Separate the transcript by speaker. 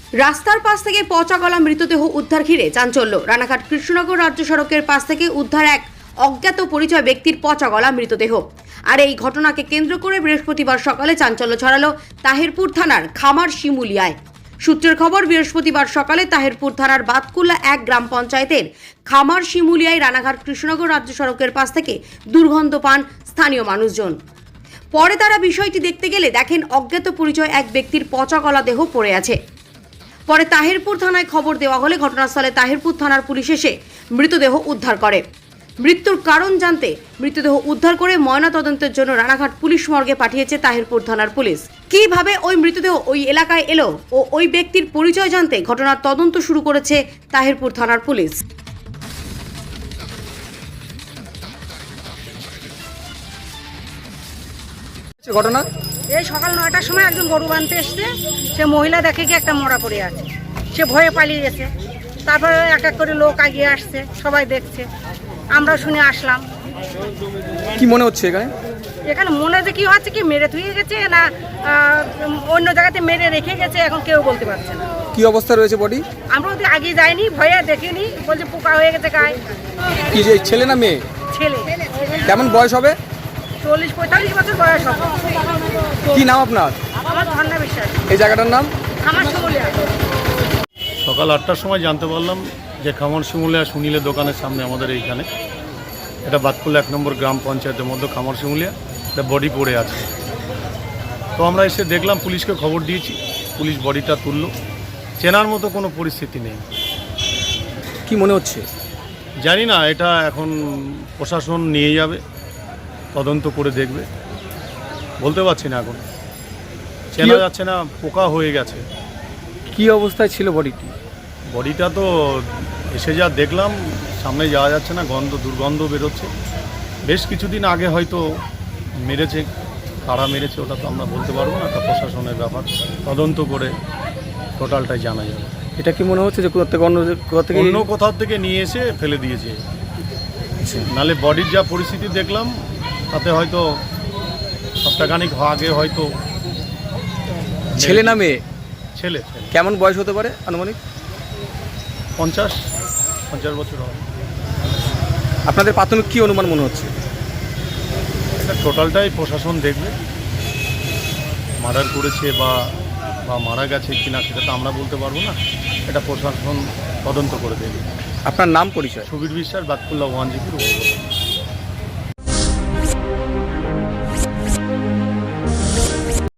Speaker 1: রাস্তার পাশ থেকে পচা গলা মৃতদেহ উদ্ধার ঘিরে চাঞ্চল্য। রানাঘাট কৃষ্ণনগর রাজ্য সড়কের পাশ থেকে উদ্ধার এক অজ্ঞাত পরিচয় ব্যক্তির পচা গলা মৃতদেহ। আর এই ঘটনাকে কেন্দ্র করে বৃহস্পতিবার সকালে চাঞ্চল্য ছড়ালো তাহিরপুর থানার খামার শিমুলিয়ায়। সূত্রের খবর, বৃহস্পতিবার সকালে তাহিরপুর থানার বাতকুল্লা 1 গ্রাম পঞ্চায়েতের খামার শিমুলিয়ায় রানাঘাট কৃষ্ণনগর রাজ্য সড়কের পাশ থেকে দুর্গন্ধ পান স্থানীয় মানুষজন। পরে তারা বিষয়টি দেখতে গেলে দেখেন অজ্ঞাত পরিচয় এক ব্যক্তির পচা গলা দেহ পড়ে আছে। পরে তাহিরপুর থানায় খবর দেওয়া হলে ঘটনাস্থলে তাহিরপুর থানার পুলিশ এসে মৃতদেহ উদ্ধার করে। মৃত্যুর কারণ জানতে মৃতদেহ উদ্ধার করে ময়নাতদন্তের জন্য রানাঘাট পুলিশ মর্গে পাঠিয়েছে তাহিরপুর থানার পুলিশ। কিভাবে ওই মৃতদেহ ওই এলাকায় এলো ও ওই ব্যক্তির পরিচয় জানতে ঘটনার তদন্ত শুরু করেছে তাহিরপুর থানার পুলিশ।
Speaker 2: ঘটনা
Speaker 3: এই সকাল 9টার সময় একজন গরু বাঁধতে এসছে। সে মহিলা দেখে কি একটা মরা পড়ে আছে, সে ভয়ে পালিয়ে গেছে। তারপরে এক এক করে লোক এগিয়ে আসছে, সবাই দেখছে, আমরা শুনে আসলাম।
Speaker 2: কি মনে হচ্ছে
Speaker 3: এখানে মনে যে কি হচ্ছে, কি মেরে ধুয়ে গেছে না অন্য জায়গাতে মেরে রেখে গেছে, এখন কেউ বলতে পারছে না।
Speaker 2: কি অবস্থা রয়েছে বডি?
Speaker 3: আমরা ওদের আগে যাইনি, ভয়ে দেখিনি, বলছে পোকা হয়ে গেছে গায়ে।
Speaker 2: কি যে ছেলে না মেয়ে?
Speaker 3: ছেলে।
Speaker 2: কেমন বয়স হবে?
Speaker 3: 40-45 বছর বয়স হবে।
Speaker 2: কি নাম আপনার?
Speaker 3: আমার ধন্যা বিশ্বাস।
Speaker 2: এই জায়গাটার নাম?
Speaker 3: আমার শিমুলিয়া।
Speaker 4: সকাল 8টার সময় জানতে পারলাম যে খামার শিমুলিয়া সুনীলের দোকানের সামনে আমাদের এইখানে এটা বাতকুল্লা 1 নম্বর গ্রাম পঞ্চায়েতের মধ্যে খামার শিমুলিয়া একটা বডি পড়ে আছে। তো আমরা এসে দেখলাম, পুলিশকে খবর দিয়েছি, পুলিশ বডিটা তুললো। চেনার মতো কোনো পরিস্থিতি নেই।
Speaker 2: কি মনে হচ্ছে?
Speaker 4: জানি না, এটা এখন প্রশাসন নিয়ে যাবে, তদন্ত করে দেখবে। বলতে পারছি না, এখন চেনা যাচ্ছে না, পোকা হয়ে গেছে।
Speaker 2: কি অবস্থায় ছিল বডিটি?
Speaker 4: বডিটা তো এসে যা দেখলাম, সামনে যাওয়া যাচ্ছে না, দুর্গন্ধ বেরোচ্ছে। বেশ কিছুদিন আগে হয়তো মেরেছে, কারা মেরেছে ওটা তো আমরা বলতে পারবো না, একটা প্রশাসনের ব্যাপার। তদন্ত করে টোটালটাই জানা যাবে।
Speaker 2: এটা কি মনে হচ্ছে যে
Speaker 4: অন্য কোথাও থেকে নিয়ে এসে ফেলে দিয়েছে? নালে বডির যা পরিস্থিতি দেখলাম, তাতে হয়তো সপ্তাহখানিক আগে হয়তো।
Speaker 2: ছেলে না মেয়ে?
Speaker 4: ছেলে।
Speaker 2: কেমন বয়স হতে পারে আনুমানিক?
Speaker 4: 50 বছর হবে।
Speaker 2: আপনাদের প্রাথমিক কি অনুমান মনে হচ্ছে?
Speaker 4: এটা টোটালটাই প্রশাসন দেখবে, মার্ডার করেছে বা মারা গেছে কিনা সেটা তো আমরা বলতে পারবো না, এটা প্রশাসন তদন্ত করে দেবে।
Speaker 2: আপনার নাম পরিচয়?
Speaker 4: সুবীর বিশ্বাস, বাতকুল্লা 1 জিপির উপর।